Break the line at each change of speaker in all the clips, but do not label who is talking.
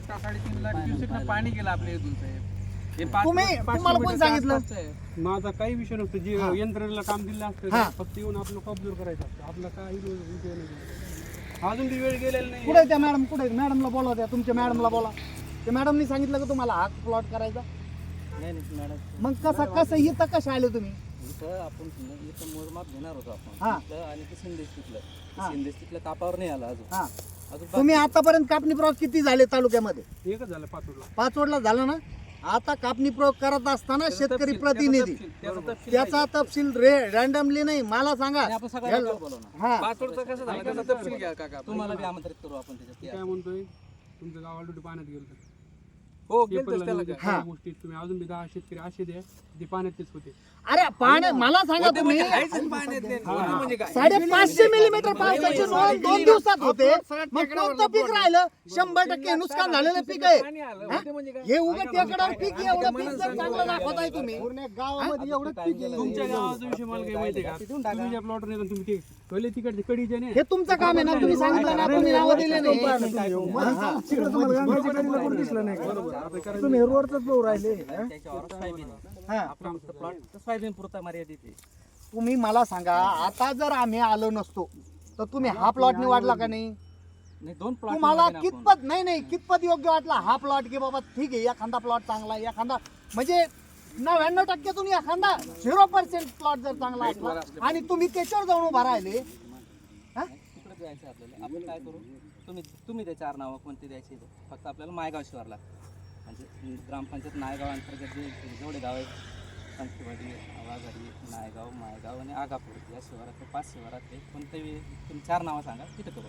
पट्टा 3.5 लाख क्युसेकनं पाणी गेलं आपल्या इथून साहेब. हे
तुम्हाला कोण सांगितलं?
माझा काही विषय नसतो. जे यंत्रणेला काम दिलं असतं फक्त येऊन आपलं कब्जूर करायचं असतं. आपला काही विषय नाही. अजून बी वेळ गेलेला नाही.
कुठे त्या मॅडम? कुठे मॅडमला बोला, त्या तुमच्या मॅडमला बोला. त्या मॅडमनी सांगितलं का तुम्हाला हा प्लॉट करायचा?
नाही मॅडम,
मग कसं इथं कसे आले तुम्ही?
इथं आपण इथं मोजमाप घेणार होतो आपण
हा.
इथलं आणि ते सिंदेश तिथलं कापावर नाही आला अजून.
हा.
अजून
तुम्ही आतापर्यंत कापणी प्रयोग किती झाले तालुक्यामध्ये?
एकच झालं पाचोडला.
पाचवडला झालं ना. आता कापणी प्रयोग करत असताना शेतकरी प्रतिनिधी त्याचा तपशील रॅन्डमली नाही मला सांगा.
आपण सगळ्यांना बोलवणार.
हा
पाचोडचं कसं झालं त्याचा तपशील घ्या काका.
तुम्हाला बी आमंत्रित करू आपण त्याच्यात.
काय म्हणतोय, तुमचं गाव ऑलरेडी पाण्यात गेलं.
हो गेलतोच त्याला काय.
हा.
गोष्टी तुम्ही अजून बी 10 शेतकरी असे द्या ते पाण्यातच होते.
अरे पाणी मला सांगा तुम्ही.
पाण्यातले म्हणजे काय
550 मिलीमीटर पावसाची नोंद 2 दिवसात होते. मग कोणतं पीक राहिलं? 100% नुकसान झालेलं पीक आहे.
पाणी आलं होते म्हणजे काय.
हे उगा टेकडावर पीक एवढं पीक जर चांगलं दाखवताय तुम्ही. गावामध्ये एवढं पीक आहे.
तुमच्या गावाचा विषय मला काही माहिती आहे का? तुम्ही ज्या प्लॉट नाही तुम्ही ते पहिले तिकडचे कडीचे नाही.
हे तुमचं काम आहे ना. तुम्ही सांगितलं ना, तुम्ही नावं दिले नाही. तुम्ही रोडच भाऊ राहिले.
त्याच्यावर सोयाबीन
हा.
आपण फक्त प्लॉट सोयाबीन पुरता मर्यादित आहे.
तुम्ही मला सांगा, आता जर आम्ही आलो नसतो तर तुम्ही हा प्लॉट निवडला का नाही?
नाही 2 प्लॉट
तुम्हाला कितपत कितपत योग्य वाटला हा प्लॉट? की बाबा ठीक आहे, एखादा प्लॉट चांगला आहे, एखादा म्हणजे 99%तून एखादा 0% प्लॉट जर चांगला असला आणि तुम्ही त्याच्यावर जाऊन उभा राहिले.
तिकडे द्यायचं आपल्याला. आपण काय करू, तुम्ही ते 4 नावं कोणते द्यायचे फक्त आपल्याला मायगाव शिवारला म्हणजे ग्रामपंचायत नायगाव अंतर्गत जेवढे गाव आहेत संखीवाडी, आवाघाडी, नायगाव, मायगाव आणि आगापूर या शिवारातले 5 शिवारातले कोणतेही तुम्ही 4 नावं सांगा तिथे करू.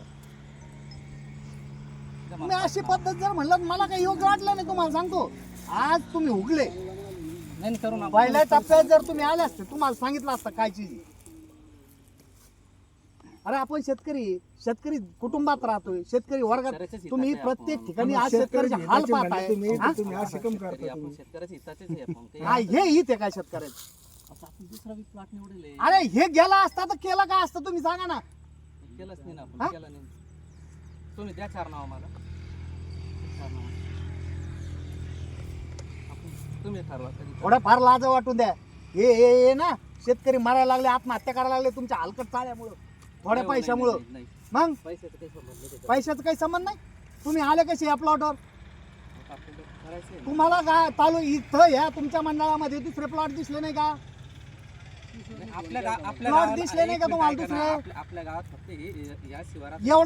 तुम्ही अशी पद्धत जर म्हणलं मला काही योग्य वाटलं नाही. तुम्हाला सांगतो, आज तुम्ही उगले
नाही करू ना.
पहिल्या टप्प्यात जर तुम्ही आले असते तुम्हाला सांगितलं असतं काय चीज. अरे आपण शेतकरी कुटुंबात राहतोय, शेतकरी वर्गात. तुम्ही प्रत्येक ठिकाणी आज शेतकऱ्याचे हाल पाहताय.
आपण शेतकऱ्याच्या हिताचेच आहे आपण. ते
हे हित आहे काय शेतकऱ्याचं?
असं आपण दुसरा बी प्लॉट निवडले.
अरे हे गेला असता तर केलं काय असतं तुम्ही सांगा ना.
केलंच नाही ना आपण. केलं नाही. तुम्ही द्या 4 नाव मला. 4 नाव तुम्ही ठरवा कधी.
थोडं फार लाज वाटून द्या. हे ना शेतकरी मारायला लागले, आत्महत्या करायला लागले तुमच्या हलकट चाल्यामुळं, थोड्या पैशामुळं.
नाही
मग
पैशाचं काही संबंध नाही.
पैशाचं काही संबंध नाही. तुम्ही आले कसे या प्लॉटवर?
आपल्याला करायचं आहे.
तुम्हाला काय इथं या तुमच्या मंडळामध्ये दुसरे प्लॉट दिसले नाही का?
आपल्या
प्लॉट दिसले नाही का तुम्हाला दुसरे?
आपल्या गावात फक्त या शिवारात
एवढं